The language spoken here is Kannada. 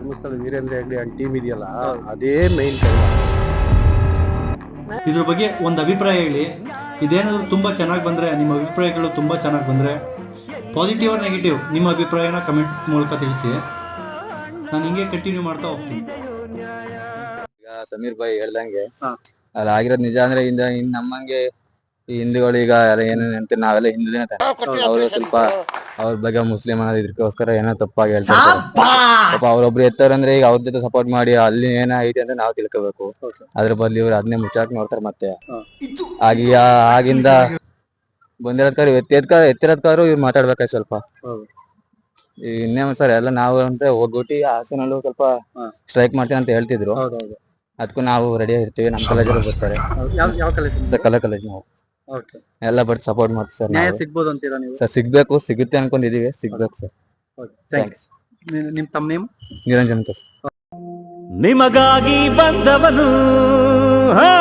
ಧರ್ಮಸ್ಥಳ ವೀರೇಂದ್ರ ಹೆಗ್ಗಡೆ ಅಂಡ್ ಟೀಮ್ ಇದೆಯಲ್ಲ, ಅದೇ ಮೈನ್ ಇದ್ರ ಬಗ್ಗೆ ಒಂದು ಅಭಿಪ್ರಾಯ ಹೇಳಿ. ಇದೇನಾದರೂ ತುಂಬ ಚೆನ್ನಾಗಿ ಬಂದರೆ, ನಿಮ್ಮ ಅಭಿಪ್ರಾಯಗಳು ತುಂಬ ಚೆನ್ನಾಗಿ ಬಂದರೆ, ಪಾಸಿಟಿವ್ ಆರ್ ನೆಗೆಟಿವ್ ನಿಮ್ಮ ಅಭಿಪ್ರಾಯನ ಕಮೆಂಟ್ ಮೂಲಕ ತಿಳಿಸಿ. ನಾನು ಹಿಂಗೆ ಕಂಟಿನ್ಯೂ ಮಾಡ್ತಾ ಹೋಗ್ತೀನಿ. ಈಗ ಸಮೀರ್ ಭಾಯ್ ಹೇಳ್ದಂಗೆ ಅಲ್ಲಿ ಆಗಿರೋದು ನಿಜ. ಅಂದ್ರೆ ಇನ್ನು ನಮ್ಮಂಗೆ ಈ ಹಿಂದೂಗಳು ಈಗ ಏನೇನು ಅಂತ ನಾವೆಲ್ಲ ಹಿಂದೂ ದಿನ ಅವರು ಸ್ವಲ್ಪ ಅವ್ರ ಬಗ್ಗೆ ಮುಸ್ಲಿಂ ಅನ್ನೋದು ಇದಕ್ಕೋಸ್ಕರ ಏನೋ ತಪ್ಪಾಗಿ ಹೇಳ್ತಾರೆ. ಪಾಪ ಅವ್ರೊಬ್ರು ಎತ್ತಾರಂದ್ರೆ ಈಗ ಅವ್ರ ಜೊತೆ ಸಪೋರ್ಟ್ ಮಾಡಿ ಅಲ್ಲಿ ಏನೋ ಐತೆ ಅಂತ ನಾವು ತಿಳ್ಕೋಬೇಕು. ಅದ್ರ ಬದಲು ಇವ್ರು ಅದನ್ನೇ ಮುಚ್ಚಾಕ್ ನೋಡ್ತಾರೆ. ಮತ್ತೆ ಆಗಿಂದ ಬಂದಿರೋದ್ಕಾರ ಎತ್ತಿರೋದ್ಕಾರು ಇವ್ರು ಮಾತಾಡ್ಬೇಕಾಯ್ತು ಸ್ವಲ್ಪ. ಇನ್ನೇ ಸರ್ ಎಲ್ಲ ನಾವು ಅಂತ ಹೋಗ್ಬಿಟ್ಟು ಹಾಸನಲ್ಲೂ ಸ್ವಲ್ಪ ಸ್ಟ್ರೈಕ್ ಮಾಡ್ತೀವಿ ಅಂತ ಹೇಳ್ತಿದ್ರು. ಅದಕ್ಕೂ ನಾವು ರೆಡಿ ಆಗಿರ್ತೀವಿ. ನಮ್ಮ ಕಾಲೇಜಲ್ಲಿ ಬರ್ತಾರೆ, ಕಲಾ ಕಾಲೇಜ್. ನಾವು ಎಲ್ಲ ಬಟ್ ಸಪೋರ್ಟ್ ಮಾಡ್ತೀವಿ ಸರ್. ನ್ಯಾಯ ಸಿಗ್ಬೋದು ಅಂತೀರಾ ನೀವು? ಸರ್ ಸಿಗ್ಬೇಕು, ಸಿಗುತ್ತೆ ಅನ್ಕೊಂಡಿದೀವಿ, ಸಿಗ್ಬೇಕು ಸರ್. ಥ್ಯಾಂಕ್ಸ್. ನಿಮ್ ತಮ್ಮ ನೇಮ್? ನಿರಂಜನ್ ಅಂತ. ನಿಮಗಾಗಿ ಬಂದವನು